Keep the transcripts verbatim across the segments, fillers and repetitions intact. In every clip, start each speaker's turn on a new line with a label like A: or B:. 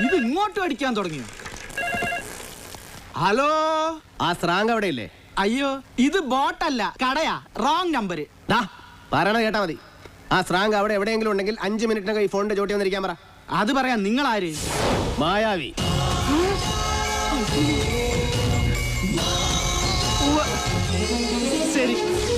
A: ഇത് ഇങ്ങോട്ട് അടിക്കാൻ തുടങ്ങിയോ? ഹലോ,
B: ആ സ്രാങ്ക് അവിടെ ഇല്ലേ?
A: അയ്യോ, ഇത് ബോട്ടല്ല, കടയാ. Wrong number.
B: പറയണ കേട്ടാ മതി. ആ സ്രാങ്ക് അവിടെ എവിടെയെങ്കിലും ഉണ്ടെങ്കിൽ അഞ്ചു മിനിറ്റിനകം ഈ ഫോണിന്റെ ചോട്ടി വന്നിരിക്കാൻ പറ.
A: അത് പറയാം. നിങ്ങൾ ആര്?
B: മായാവി.
A: ശരി.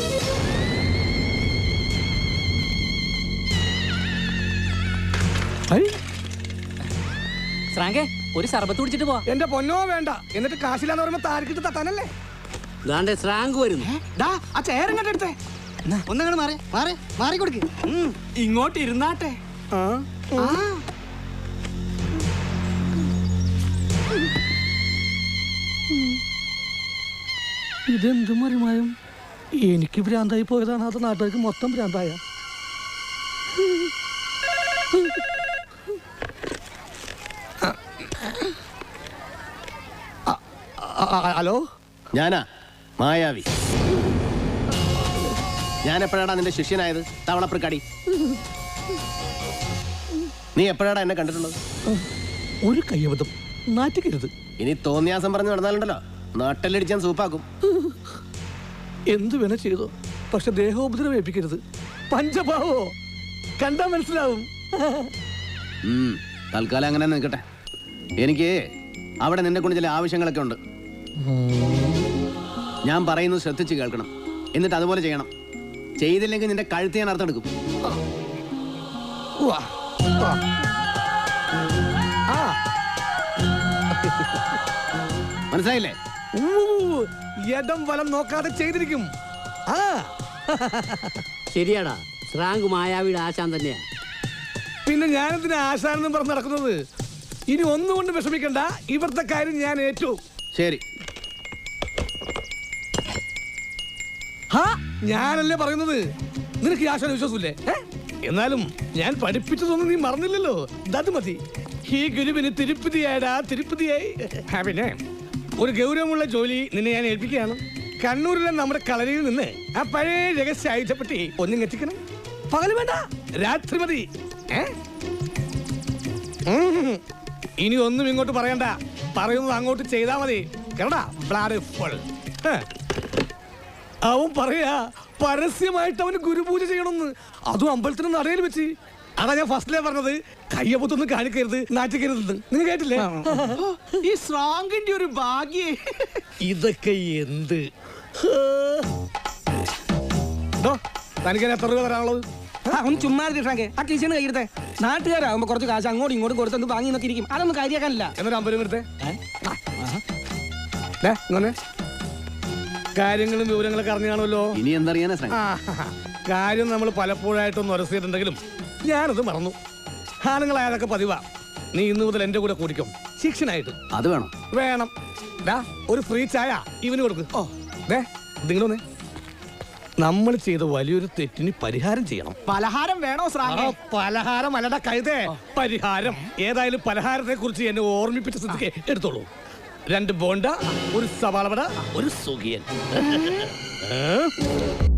C: സ്രാങ്കേ, ഒരു സർബത്ത് കുടിച്ചിട്ട് പോവാ.
D: എന്റെ പൊന്നോ വേണ്ട. എന്നിട്ട് കാശില്ലാന്ന് പറയുമ്പോ താരക്കിട്ട് തട്ടാനല്ലേ?
C: സ്രാങ്ക് വരുന്നു.
A: ആ ചെയർ ഇങ്ങോട്ട് എടുത്തേ.
D: ഒന്നങ്ങോട്ട് മാറി മാറി മാറി കൊടുക്ക്.
A: ഇങ്ങോട്ട് ഇരുന്നാട്ടെ.
D: ഇതെന്ത് മറിമായും? എനിക്ക് ഭ്രാന്തായി പോയതാണ്, അത് നാട്ടുകാർക്ക് മൊത്തം ഭ്രാന്തായ. ഹലോ,
B: ഞാനാ മായാവി. ഞാൻ എപ്പോഴാടാ നിന്റെ ശിഷ്യനായത്? തവളപ്രക്കാടി. നീ എപ്പോഴാടാ എന്നെ കണ്ടിട്ടുള്ളത്?
D: ഒരു കയ്യബദ്ധം, നാറ്റിക്കരുത്.
B: ഇനി തോന്നിയാസം പറഞ്ഞു നടന്നാലുണ്ടല്ലോ, നാട്ടിലടിച്ചാൻ സൂപ്പാക്കും.
D: എന്തു വേണ ചെയ്തോ, പക്ഷെ ദേഹോപദ്രവം ഏൽപ്പിക്കരുത്. പഞ്ചഭാവോ കണ്ടാ മനസ്സിലാവും.
B: തൽക്കാലം അങ്ങനെ നിൽക്കട്ടെ. എനിക്ക് അവിടെ നിന്നെ കൊണ്ട് ചില ആവശ്യങ്ങളൊക്കെ ഉണ്ട്. ഞാൻ പറയുന്നത് ശ്രദ്ധിച്ച് കേൾക്കണം, എന്നിട്ട് അതുപോലെ ചെയ്യണം. ചെയ്തില്ലെങ്കിൽ നിന്റെ കഴുത്ത് ഞാൻ അർത്ഥമെടുക്കും. മനസ്സിലായില്ലേ?
D: ഇടം വലം നോക്കാതെ ചെയ്തിരിക്കും.
C: ശരിയാടാ, സ്രാങ്ക് മായാവിയുടെ ആശാൻ തന്നെയാ.
D: പിന്നെ ഞാനെന്തിനാ ആശാനെന്നും പറഞ്ഞ് നടക്കുന്നത്? ഇനി ഒന്നുകൊണ്ട് വിഷമിക്കണ്ട, ഇവിടുത്തെ കാര്യം ഞാൻ ഏറ്റു.
B: ശരി.
D: ഞാനല്ലേ പറയുന്നത്, നിനക്ക് ഈ ആശാന വിശ്വാസമില്ലേ? എന്നാലും ഞാൻ പഠിപ്പിച്ചതൊന്നും നീ മറന്നില്ലല്ലോ. അത് മതി. ഈ ഗുരുവിന് തിരുപ്പതിയായടാ, തിരുപ്പതിയായി. പിന്നെ ഒരു ഗൗരവമുള്ള ജോലി നിന്നെ ഞാൻ ഏൽപ്പിക്കുകയാണ്. കണ്ണൂരിലെ നമ്മുടെ കളരിയിൽ നിന്ന് ആ പഴയ രഹസ്യ ആയുധപ്പെട്ടി ഒന്നും എത്തിക്കണം. പകല് വേണ്ട, രാത്രി മതി. ഇനി ഒന്നും ഇങ്ങോട്ട് പറയണ്ട, പറയുന്നത് അങ്ങോട്ട് ചെയ്താ മതി. കേരടാ, ബ്ലാഡ് ഫുൾ. അവൻ പറയാ പരസ്യമായിട്ട് അവന് ഗുരുപൂജ ചെയ്യണമെന്ന്, അതും അമ്പലത്തിന് നടയിൽ വെച്ച്. അതാ ഞാൻ ഫസ്റ്റിലേ പറഞ്ഞത്, കയ്യപ്പൊത്തൊന്നും കാണിക്കരുത്, നാറ്റിക്കരുത്. നിങ്ങൾ കേട്ടില്ലേ?
A: ഈ സ്രാങ്കിന്റെ ഒരു ഭാഗ്യേ.
D: ഇതൊക്കെ എന്ത്? തനിക്ക് എത്ര രൂപ തരാനുള്ളത്?
E: ഒന്ന് ചുമ്മാ ആ ടീച്ചറിന് കയ്യെടുത്തേ. നാട്ടുകാരാകുമ്പോ കുറച്ച് കാശ് അങ്ങോട്ടും ഇങ്ങോട്ടും കൊടുത്തൊന്ന് വാങ്ങി നോക്കി ഇരിക്കും. അതൊന്നും കാര്യാക്കാനില്ല.
D: എന്നൊരു അമ്പലം എടുത്തേ. ഇങ്ങനെ കാര്യങ്ങളും വിവരങ്ങളൊക്കെ അറിഞ്ഞാണല്ലോ.
B: ഇനി എന്തറിയാനാ?
D: കാര്യം നമ്മൾ പലപ്പോഴായിട്ടൊന്ന് ഉരസിയിട്ടുണ്ടെങ്കിലും ഞാനത് മറന്നു. ആണുങ്ങളായതൊക്കെ പതിവാ. നീ ഇന്ന് മുതൽ എന്റെ കൂടെ കൂടിക്കും, ശിക്ഷനായിട്ട്.
B: അത് വേണം
D: വേണം. ഒരു ഫ്രീ ചായ ഇവന് കൊടുക്കും. ഓ ദേ നിങ്ങളൊന്നേ, നമ്മൾ ചെയ്ത വലിയൊരു തെറ്റിന് പരിഹാരം ചെയ്യണം.
A: പലഹാരം വേണോ സ്രാങ്കേ?
D: പലഹാരം അല്ലടാ കഴുതേ, പരിഹാരം. ഏതായാലും പലഹാരത്തെ കുറിച്ച് എന്നെ ഓർമ്മിപ്പിച്ച സ്ഥിതിക്ക് എടുത്തോളൂ. രണ്ട് ബോണ്ട, ഒരു സവാള വട, ഒരു സുഖിയൻ.